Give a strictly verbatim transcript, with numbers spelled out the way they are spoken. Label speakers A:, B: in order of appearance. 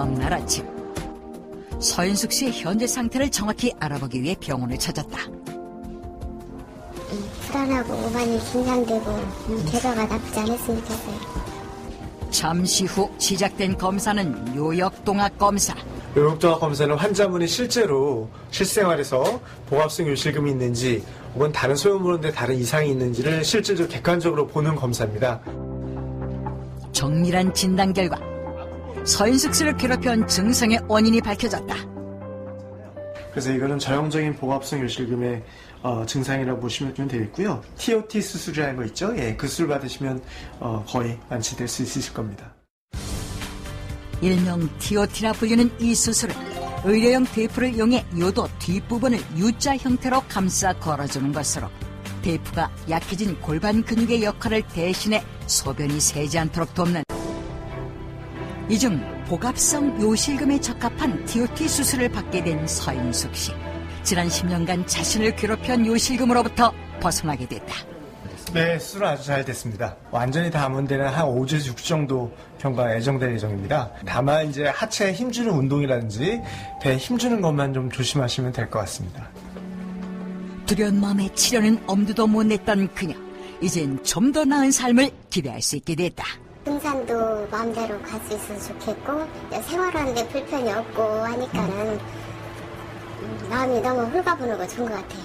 A: 다음 날 아침 서인숙 씨의 현재 상태를 정확히 알아보기 위해 병원을 찾았다.
B: 불안하고 많이 긴장되고 결과가 나쁘지 않았으면 좋겠어요.
A: 잠시 후 시작된 검사는 요역동학 검사.
C: 요역동학 검사는 환자분이 실제로 실생활에서 복압성 요실금이 있는지 혹은 다른 소염물인데 다른 이상이 있는지를 실질적으로 객관적으로 보는 검사입니다.
A: 정밀한 진단 결과 서인숙 씨를 괴롭혀온 증상의 원인이 밝혀졌다.
C: 그래서 이거는 전형적인 복압성 요실금의 어, 증상이라고 보시면 되겠고요. 티오티 수술이라는 거 있죠? 예, 그 수술 받으시면 어, 거의 완치될 수 있으실 겁니다.
A: 일명 티오티라 불리는 이 수술은 의료용 테이프를 이용해 요도 뒷부분을 U자 형태로 감싸 걸어주는 것으로 테이프가 약해진 골반 근육의 역할을 대신해 소변이 새지 않도록 돕는, 이중 복압성 요실금에 적합한 티오티 수술을 받게 된 서인숙 씨. 지난 십 년간 자신을 괴롭혀온 요실금으로부터 벗어나게 됐다.
C: 네, 수술은 아주 잘 됐습니다. 완전히 다 안 되는 한 오 주에서 육 주 정도 경과가 예정될 예정입니다. 다만 이제 하체에 힘주는 운동이라든지 배에 힘주는 것만 좀 조심하시면 될 것 같습니다.
A: 두려운 마음에 치료는 엄두도 못 냈던 그녀. 이젠 좀 더 나은 삶을 기대할 수 있게 됐다.
B: 등산도 마음대로 갈 수 있어서 좋겠고 생활하는데 불편이 없고 하니까는 마음이 너무 홀가분하고 좋은 것 같아요.